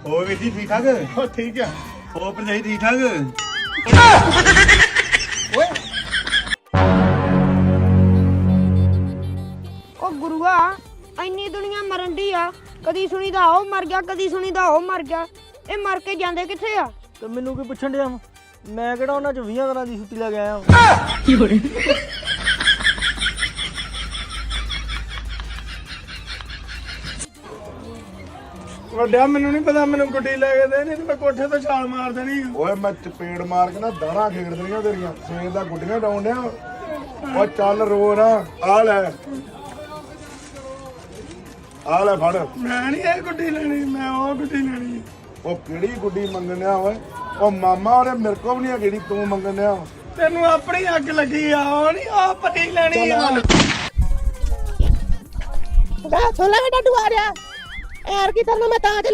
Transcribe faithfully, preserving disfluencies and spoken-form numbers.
ਹੋਰ ਵੀਰ ਜੀ ਠੀਕ ਠਾਕ? ਹੋ ਠੀਕ ਆ। ਹੋਰ ਭਰਜਾਈ ਠੀਕ ਠਾਕ? ਓਏ ਉਹ ਗੁਰੂਆ ਇੰਨੀ ਦੁਨੀਆ ਮਰਨ ਦੀ ਆ, ਕਦੀ ਸੁਣੀਦਾ ਉਹ ਮਰ ਗਿਆ, ਕਦੀ ਸੁਣੀਦਾ ਉਹ ਮਰ ਗਿਆ। ਇਹ ਮਰ ਕੇ ਜਾਂਦੇ ਕਿੱਥੇ ਆ? ਤੇ ਮੈਨੂੰ ਕੀ ਪੁੱਛਣ ਡਿਆ ਮੈਂ ਕਿਹੜਾ ਉਹਨਾਂ ਚ ਵੀਹ ਦਿਨਾਂ ਦੀ ਛੁੱਟੀ ਲੈ ਕੇ ਆਇਆ। ਵੱਡਿਆ ਮੈਨੂੰ ਨਹੀਂ ਪਤਾ, ਮੈਨੂੰ ਗੁੱਡੀ ਲੈ ਕੇ ਦੇ, ਨਹੀਂ ਤੇ ਮੈਂ ਕੋਠੇ ਤੋਂ ਛਾਲ ਮਾਰ ਦੇਣੀ। ਓਏ ਮੈਂ ਚਪੇੜ ਮਾਰ ਕੇ ਨਾ ਦਾਣਾ ਖੇਡ ਦੇਣੀਆਂ ਤੇਰੀਆਂ। ਸਵੇਰ ਦਾ ਗੁੱਡੀਆਂ ਡਾਉਣ ਡਿਆ। ਓ ਚੱਲ ਰੋ ਨਾ। ਆ ਲੈ ਆ ਲੈ ਫੜ। ਮੈਂ ਨਹੀਂ ਇਹ ਗੁੱਡੀ ਲੈਣੀ, ਮੈਂ ਉਹ ਗੁੱਡੀ ਲੈਣੀ। ਉਹ ਕਿਹੜੀ ਗੁੱਡੀ ਮੰਗਣਿਆ ਓਏ? ਉਹ ਮਾਮਾ ਉਹਨੇ ਮੇਰੇ ਕੋਲ ਵੀ ਨਹੀਂ ਕਿਹੜੀ ਤੂੰ ਮੰਗਣਿਆ। ਤੈਨੂੰ ਆਪਣੀ ਅੱਗ ਲੱਗੀ ਆ, ਉਹ ਨਹੀਂ ਉਹ ਪੱਟੀ ਲੈਣੀ ਆ। ਗਾ ਸੋਲਾ ਬੇਟਾ ਤੂੰ ਆ ਰਿਹਾ ਯਾਰ ਕੀ ਤੈਨੂੰ ਮੈਂ ਤਾਂ